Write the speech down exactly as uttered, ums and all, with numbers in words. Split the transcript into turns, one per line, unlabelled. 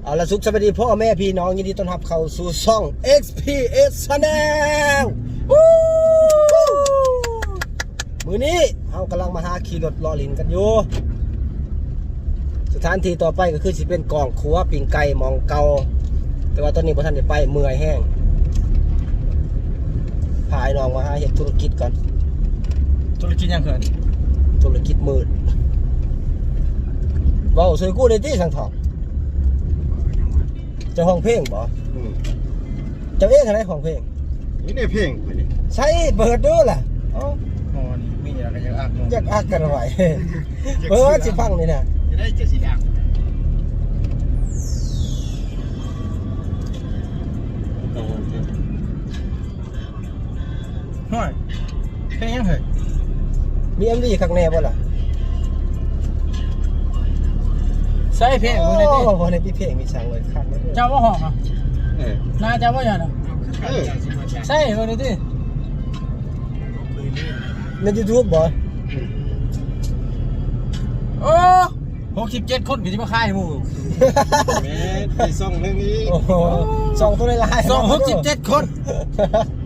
เอาละสุขสวัสดีพ่อแม่พี่น้องยินดีต้อนรับเข้าสู่ช่อง เอ็กซ์ พี เอส Channel มื้อนี้เรากำลังมาหาขี่รถล้อลินกันอยู่สถานที่ต่อไปก็คือสิเป็นกองครัวปิ้งไก่มองเก่าแต่ว่าตอนนี้บ่ทันได้ไปเมื่อยแห้งพาไอ้น้องมาหาเฮ็ดธุรกิจก่อน
ธุรกิจยังเขิน
ธุรกิจมืดเว้าช่วยกูได้ติสังทองเจ้าห้องเพลงบ่เจ้าเองอะไรของเพลง
นี่ในเพลงไปนี่
ใช่เปิดดูล่ะเอ้า
โอ้นี่มีอะไรกันยังอัก
อยากอักกันไว้เออสิฟังนี่นะ
จะได้เจ็ดสีดังห่วยเพลงยังเขิน
มี เอ็ม วี ข้างแน่บ่ล่ะ
ใส่เพลง
โอ้
มึงเลยดิ
โหในพี่เพลงมีช่างเลยคักเลย
เจ้าว่าห้องอ่ะ
เออ
น่าเจ้าว่าอย่างน่ะ
เออ
ใส่มึงเลยดิ
ใน YouTube บ่
โอ้หกสิบเจ็ดคนก็จะมาค่ายหมู่
แม่ไปซ่องเรื่องนี้
โอ้โหสองตัวในลาย
สองหกสิบเจ็ดคน